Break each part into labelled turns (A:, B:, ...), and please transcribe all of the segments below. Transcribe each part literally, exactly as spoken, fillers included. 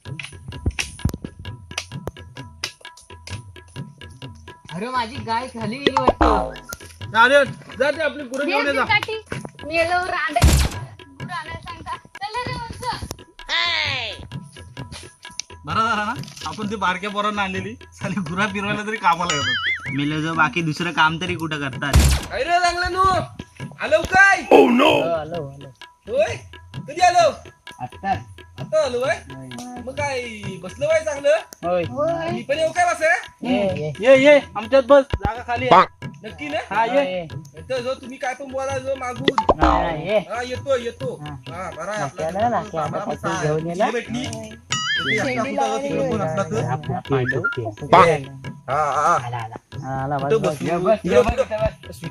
A: अरे माझी गाय खाली गेली वाटतं.
B: अरे जा ते आपली गुरं घेऊन ये जा.
C: मेलो रांडे गुरं आणायला सांगता. चला रे वत्स.
B: बरं झालं ना आपण ती बारक्या पोरांना आणलेली साली गुरा फिरवायला तरी कामाला येतात.
D: मेलं जो बाकी दुसरं काम तरी कुठं करतात.
B: काय रे चांगलं नू आलो काय
A: आलो आलो
B: होय कधी आलो
A: आता
B: आता आलो बाय मग काय बसलो बाय चांगलं
A: होय
B: मी पण येऊ काय बस
A: ये
B: ये ये आमच्यात बस जागा खाली आहे. नक्की ना
A: हा ये
B: येतो जो तुम्ही काय पण बोला जो मागून
A: नाही, नाही, ये
B: हा येतो येतो
A: हा.
B: हा बरं आहे आपला.
A: नाक्याला नाक्या आता
B: आम्हाला
A: काहीतरी
B: पण
A: घेऊन ये ना.
B: ये भेटली. ते आपला
C: शेंडी
B: कुठं
C: लावायला
B: तिकडं कोण असला तर.
A: आपला पांडू.
B: हा हा
A: आला आला आला बस
B: कुठं
A: बस
B: बसू?
A: ये, बस ये, बस इथं बस.
B: बस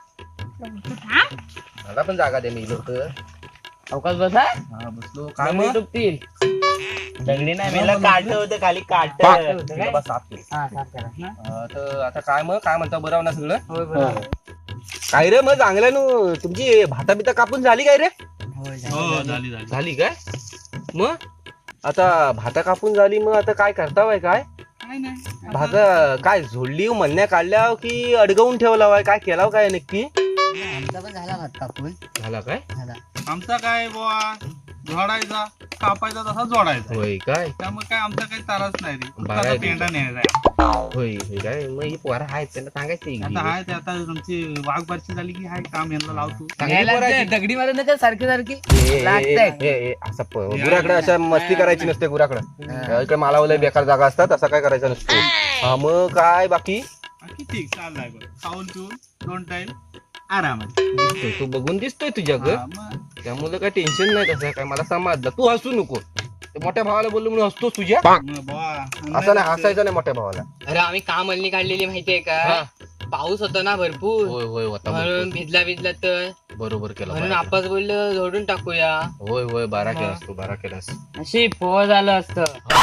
B: तिकडं मला पण जागा दे मी इलो तर
A: अवकाश बसा
B: हा बसलो काय
A: दगडी
B: मग
A: डुबतील.
D: दगडी नाही मेलं काट होतं खाली काट.
B: तिला बस साफ केलं.
A: हा साफ करा ना.
B: हा, तर आता काय मग काय म्हणता बरं ना सगळं
A: होय बरोबर.
B: काय रे मग चांगलं नु तुमची भाता बिता कापून झाली काय रे
A: होय
D: हो
A: झालं.
D: झाली झाली.
B: झाली काय मग आता भाता कापून झाली मग आता काय करतावाय काय
D: काय नाही
B: भाता काय झोडली म्हणण्या काढल्या की अडगवून ठेवला काय केला काय नक्की
A: आमचा पण झाला भात कापून
B: झाला काय
A: झाला.
D: आमचा काय बुवा जोडायचा कापायचा तसा जोडायचा.
B: होय काय
D: त्यामुळे काय आमचा काही ताराच नाही रे. फक्त
B: बरं
D: आता
B: आहे
D: पेंडा न्यायचा.
B: होय होय काय मग ही पोरं आहेत त्यांना सांगायचं
D: आता हाय ते आता तुमची वाघ बारशी झाली की हाय काम यांना लावतो.
A: यायला ते दगडी मारून नका सारखी सारखी लागतंय.
B: असं गुराकडे अशा मस्ती करायची नसते गुराकडे इकडे मालावलंय बेकार जागा असतात असं काय करायचं नसतं हा मग काय बाकी
D: बाकी ठीक चाललाय बघ. खाऊन पिऊन दोन टाइम आरामात.
B: दिसतोय तू बघून दिसतोय तुझ्या ग
D: हा, मग
B: त्यामुळे काय टेन्शन नाही तसं काय मला समजलं तू हसू नको ते मोठ्या भावाला बोललो म्हणून हसतोस तुझ्या
D: मग बुवा,
B: असं नाही हसायचं नाही मोठ्या भावाला
A: अरे आम्ही काम अल्ली काढलेली माहितीये का
B: हा.
A: पाऊस होता ना भरपूर
B: होय होय होता
A: म्हणून
B: बरोबर.
A: भिजला भिजला तर
B: बरोबर केलं
A: म्हणून
B: बरं केलं.
A: आपाच बोललं झोडून टाकूया.
B: होय होय बारा
A: हा.
B: केलास तू बारा केलास
A: नशीब पोह झालं असतं.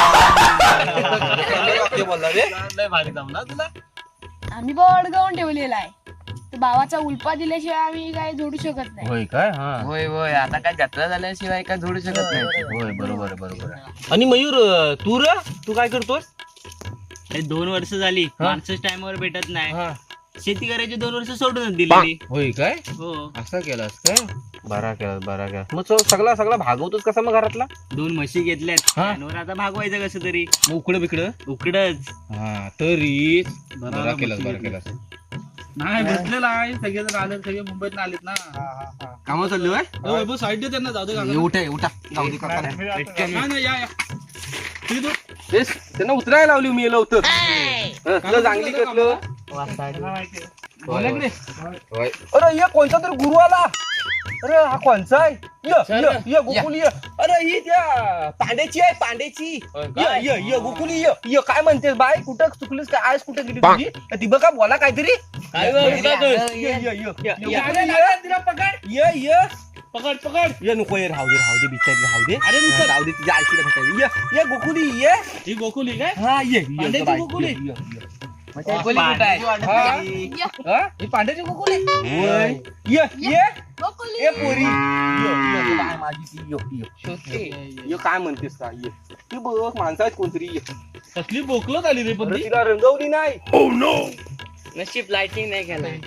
B: ते बोलला रे
D: लय भारी जमला तुला.
C: आम्ही बोर्ड गाऊन ठेवलेला आहे. तर भावाचा उल्पा दिल्याशिवाय आम्ही काय जोडू शकत नाही.
B: होय काय हा
A: होय होय आता काय जत्रा झाल्याशिवाय काय झोडू शकत नाही.
B: होय बरोबर आहे, बरोबर आहे. आणि मयूर तू र तू काय करतोस
D: हे दोन वर्ष झाली
B: हा.
D: माणसंच टाइमवर भेटत नाही.
B: हा.
D: शेती करायची दोन वर्ष सोडूनच दिली.
B: होय काय
D: हो
B: असं केलास काय बारा केलास बारा केलास मग तो सगळा सगळा भागवतोस कसा मग घरातला
D: दोन म्हशी घेतल्यात
B: हा.
D: त्यावर आता भागवायचं कसं तरी
B: मग उकडं बिकडं
D: उकडच.
B: हा तरी
D: बरा
B: बरा केलास
D: म्हशी
B: बरा केलास
D: नाही भेटलेला आहे सगळेजण आले सगळे मुंबईत आलेत ना.
B: कामा चाललो आहे
D: साईड दे त्यांना जाऊ दे काका.
B: उठा उठा जाऊ दे काका
D: नाही, नाही, या, या. ती तू-
B: तेच त्यांना उतरायला लावली मी लवकर तुला चांगली कसलं
D: बोला की रे.
B: होय. अरे ये कोणता तरी गुरु आला अरे हा कोणचा आहे ये ये ये गोकुली ये अरे ही त्या पांड्याची आहे पांड्याची ये ये ये गोकुली ये ये काय म्हणतेस बाय कुठं चुकलीस काय आज कुठं गेली तुझी ती बघा बोला काहीतरी
A: काय
B: ये,
A: बोलता
B: ये,
A: तू?
B: ये, ये, ये, ये, ये,
D: अरे,
B: ये,
D: तिला पकड
B: ये ये
D: पकड पकड
B: ये नको ये राहू दे राहू दे बिचारी राहू दे
D: अरे नुसतं
B: राहू दे तिच्या आईला भेटायला ये ये गोकुली ये
D: ही गोकुली काय
B: हा ये ये,
D: पांड्याची
B: बाई,
D: गोकुली?
B: ये, ये, ये.
A: गोकुली कुठं आहे?
B: हा? हा? ही पांड्याची गोकुली होय. ये ये
C: गोकुली.
B: ए पोरी ये ये बाय माझी ती ये ये
A: शोधते.
B: ये काय म्हणतेस का ये ती बघ माणसं आहेत कोणतरी ये
D: कसली बोकलत आली रे पण
B: अरे
D: ती.
B: तिला रंगवली नाही
A: नशीब लाइटिंग नाही केलं.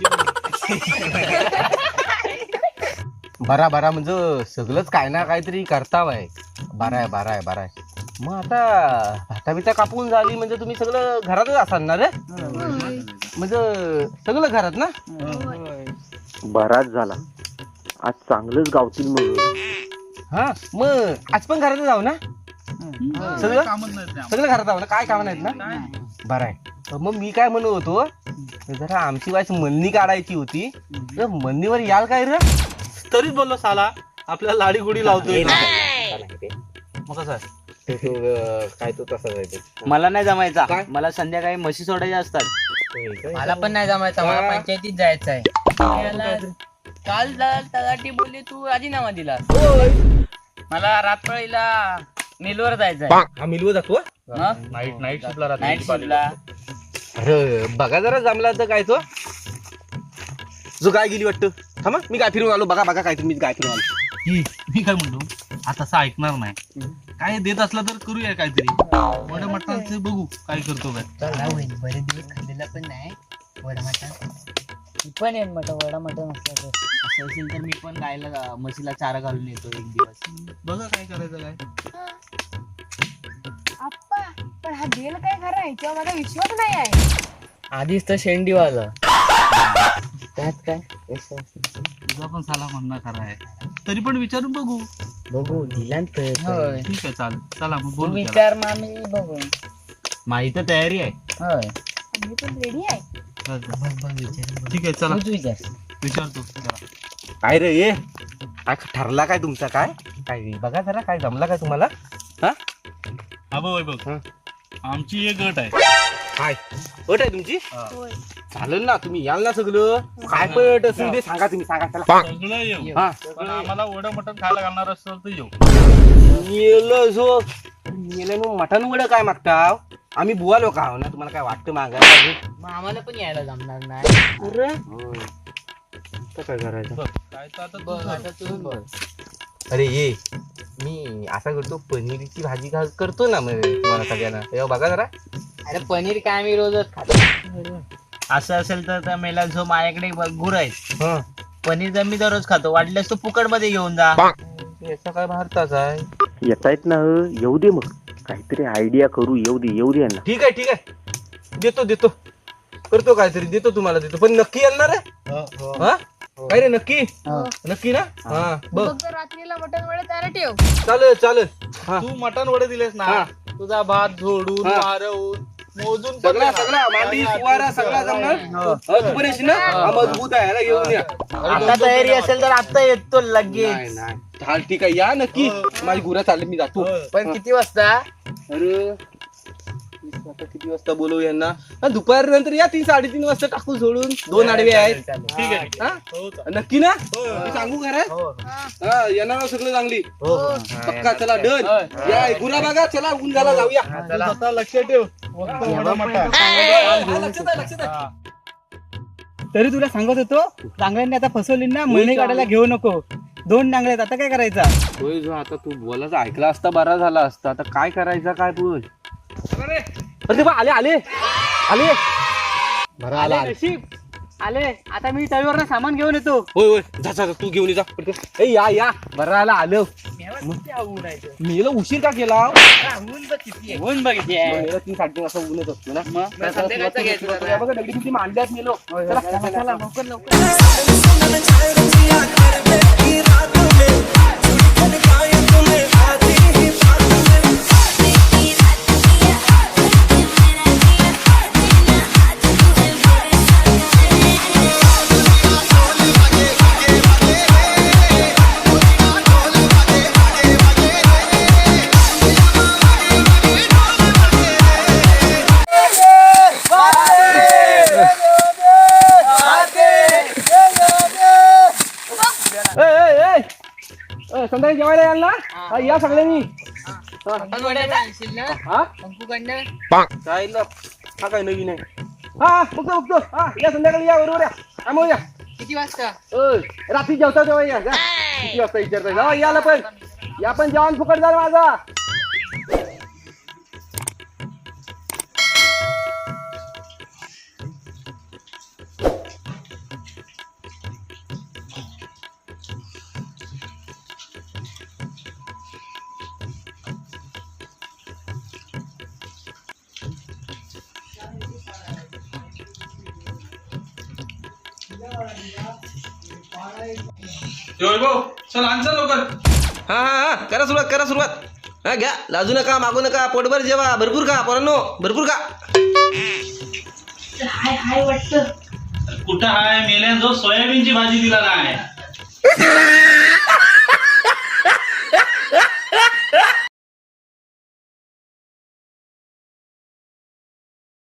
B: बरा बरा म्हणजे सगळंच काय ना काहीतरी करतावाय बरा आहे बरा आहे बरा आहे मग आता भाता बिता कापून झाली म्हणजे तुम्ही सगळं घरातच असाल ना रे
C: होय.
B: म्हणजे सगळं घरात ना
C: होय.
E: बराच झाला आज चांगलंच गावतील मग
B: हा मग आज पण घरातच जाऊ ना सगळं
D: कामच नाही ते आम्हाला.
B: सगळं घरात जाऊ ना काय काम नाहीत ना
D: काय?
B: बरं आहे मग मी काय म्हणत होतो जरा आमची वाईस मंदी काढायची होती तर मंदीवर याल काय रे
D: तरीच बोललो साला आपल्याला लाडी गुडी लावतोय.
B: मग कसं आहे? ते तो, अं, काय तो तसाच आहे ते.
D: मला नाही जमायचा
B: काय?
D: मला संध्याकाळी म्हशी सोडायच्या असतात.
A: मला पण नाही जमायचं मला
B: हा.
A: पंचायतीत जायचं आहे. काल तलाठी बोलले तू राजीनामा दिला. मला रातपाळीला मिलवर जायचं आहे.
B: हा मिलवं जातो
D: नाईट नाईट शिपला
A: नाईट शिफ्टला.
B: अरे बघा जरा जमला तर काय तो जो गाय गेली वाटतं थांबा मी गाय फिरून आलो बघा बघा काय मी गाय फिरून आलो
D: मी काय म्हणतो आता असं ऐकणार नाही काय देत असला तर करूया काहीतरी वडा मटणाचं बघू काय करतो काय
A: बरेच दिवस खाल्लेला पण नाही वडा मटण मी पण येईन मटण वडा मटण असलं तर असं असेल तर मी पण गायला म्हशीला चारा घालून येतो एक दिवस
D: बघा काय करायचं काय
C: आप्पा पण हा देल काय खरं आहे तेव्हा माझा विश्वास नाही आहे.
A: आधीच तर शेंडीवाला त्यात काय
D: तुझा पण साला म्हणणं खरा आहे तरी पण विचारून बघू
A: बघू दिला तर
D: ठीक आहे चालेल चला मग बोलू त्याला.
A: विचार मामी बघू
D: माझी तर तयारी आहे
A: होय
C: मी पण रेडी आहे.
D: चल, चल.
A: बघ बघ विचार
D: ठीक आहे चला
A: तूच विचार
D: विचारतो जरा.
B: काय रे ये काय ठरला काय तुमचा काय काय बघा जरा काय जमला काय तुम्हाला हा
D: हा बघ बघ
B: हं.
D: आमची एक गट आहे
B: काय अट आहे तुमची
C: होय.
B: चालेल ना तुम्ही याल ना सगळं काय पण अट असेल ते सांगा तुम्ही सांगा चला
D: सगळं येऊ
B: हा
D: पण आम्हाला वडा मटण खायला घालणार असेल तर येऊ
B: मेलं जो मेलं मग मटण वडं काय मागता आम्ही बुवा लोक आहो ना तुम्हाला काय वाटतं मागायला
A: मग आम्हाला पण यायला जमणार नाही
B: होय. तर काय करायचं
D: बघ काय तर आता
A: बघ
D: तू
A: आता तू बघ
B: अरे ये मी असा करतो पनीरची भाजी घाल करतो ना मग तुम्हाला सगळ्यांना तेव्हा बघा जरा
A: अरे पनीर काय आम्ही रोजच खातो असं असेल तर त्या मेला जो माझ्याकडे गुर आहे
B: हं.
A: पनीर तर मी दररोज खातो वाटल्यास तू फुकट मध्ये घेऊन जा
B: याचा काय भारताचा आहे
E: येता येत ना येऊ दे मग काहीतरी आयडिया करू येऊ दे येऊ दे यांना.
B: ठीक आहे ठीक आहे देतो देतो करतो काहीतरी देतो तुम्हाला देतो पण नक्की येणार आहे हा काय रे नक्की नक्की ना हा बघ
C: फक्त रात्रीला मटण वडे तयार ठेव.
B: चालेल चालेल हा
D: तू मटण वडे दिलेस ना
B: हा.
D: तुझा भात झोडून
B: हा.
D: वारवून मोजून पण
B: सगळा
D: देणार.
B: सगळा मांडी सुवारा सगळा जमणार हा, तू पण येशील ना हा, मजबूत आहे याला घेऊन या
A: आता तयारी असेल तर आता येतो लगेच
B: नाही नाही चाल ठीक आहे या नक्की माझी गुरा चालली मी जातो
A: पण किती वाजता
B: अरे आता किती वाजता बोलवू यांना हा, दुपारी नंतर या तीन साडेतीन वाजता टाकू सोडून दोन आडवे आहेत
D: ठीक आहे ठीक
B: हा?
D: आहे. हो, चालेल.
B: नक्की ना मी सांगू खरं हा येणार सगळं चांगली पक्का चला डन या गुरा बघा चला ऊन झाला जाऊया
D: तू स्वतः लक्ष ठेव फक्त वडा मटण
F: तरी तुला सांगत होतो डांगऱ्यांनी आता फसवली ना महिने काढायला घेऊ नको दोन डांगरे आहेत आता काय करायचा
B: होय जो आता तू बोलायचं ऐकला असता बरा झाला असता आता काय करायचं काय बोल अरे ते बा आले आले आले बरा आला आले.
F: नशीब आले आता मी तळीवर सामान घेऊन येतो
B: होय होय जा जा जा, तू घेऊन ये जा पटकन. ए या या बरा आला आलं मेला उशीर का केला
A: ऊन बघितली
B: मेला तीन साडेतीन वाजता ऊनच असतो ना
A: मग संध्याकाळचं घ्यायचं जरा.
B: बघा दगडी किती मांडल्यात मेलो चला, चला, चला.
A: लवकर लवकर
B: ए, ए, ए. ए, संध्याकाळी जेवायला याल ना हा, या सगळ्यांनी
A: पण वड्याचं आणशील ना
B: हा
A: पंपूकडनं
B: काय ना हा काय नवीन आहे हा बघतो बघतो हा या संध्याकाळी या बरोबर या आम्ही या
A: किती वाजता
B: ओय, रात्री जेवता तेव्हा या जा. किती वाजता विचारताय जा याला पण या पण जेवण फुकट झालं माझा
D: चल आमचा लवकर
B: हा हा हा करा सुरुवात करा सुरुवात हा घ्या लाजू नका मागू नका पोटभर जेवा भरपूर का पोरांनो भरपूर का
C: हाय हाय वाटतं.
D: कुठं आहे मेल्या जो सोयाबीनची भाजी दिला नाही